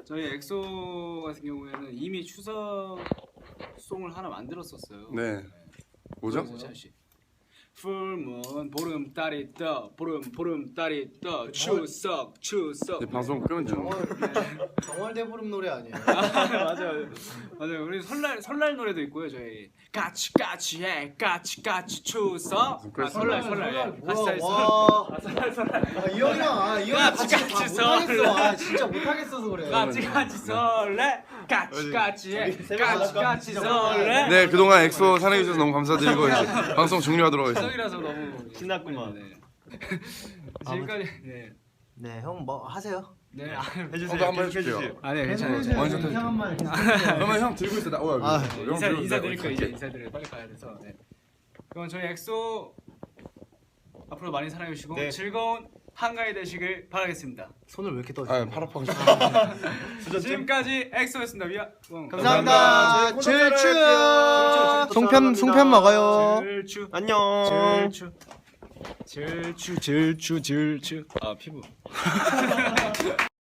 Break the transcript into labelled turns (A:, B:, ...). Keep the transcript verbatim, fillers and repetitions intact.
A: 저희 엑소 같은 경우에는 이미 추석 송을 하나 만들었었어요.
B: 네. 뭐죠?
A: 풀문 보름달이 떠 보름 보름달이 떠 추석 추석.
B: 네, 방송 끄면 좀.
C: 정월대보름 노래 아니에요?
A: 맞아요, 맞아요. 우리 설날 설날 노래도 있고요. 저희 까치 까치 해 까치 까치 추석. 아, 설날 설날 예. 같이 다 있어. 아, 설날 설날.
C: 아, 이 형이랑 아, 이 형이랑 같이 다 못하겠어. 아, 진짜 못하겠어서 그래.
A: 까치 까치 설레 까치 까치 해 까치 까치 설레.
B: 네, 그동안 엑소 사랑해주셔서 너무 감사드리고 이제 방송 종료하도록 하겠습니다.
A: 추석이라서 너무
D: 신났구만.
A: 네. 지금까지 네.
C: 네, 형 뭐 하세요?
A: 네. 아,
D: 해주세요.
B: 저도 한번
D: 계속
B: 해줄게요.
A: 아, 네, 괜찮아요. 괜찮아요.
B: 완전
C: 형 한번
B: 그러면 형 들고 있어. 나. 어,
C: 아,
B: 형
A: 인사
B: 들고
A: 인사드릴
B: 있어.
A: 거 이제 인사드려 빨리 가야 돼서. 네. 그럼 저희 엑소 앞으로 많이 사랑해 주시고
D: 네.
A: 즐거운 한가위 되시길 바라겠습니다.
C: 손을 왜 이렇게 떠?
B: 아, 팔 아파.
A: 지금까지 엑소였습니다. 위아.
C: 감사합니다.
D: 구독자로
C: 질추.
D: 할게요.
C: 송편 송편 먹어요.
A: 질추.
D: 안녕.
A: 질추. 질추 질추 질추. 아 피부.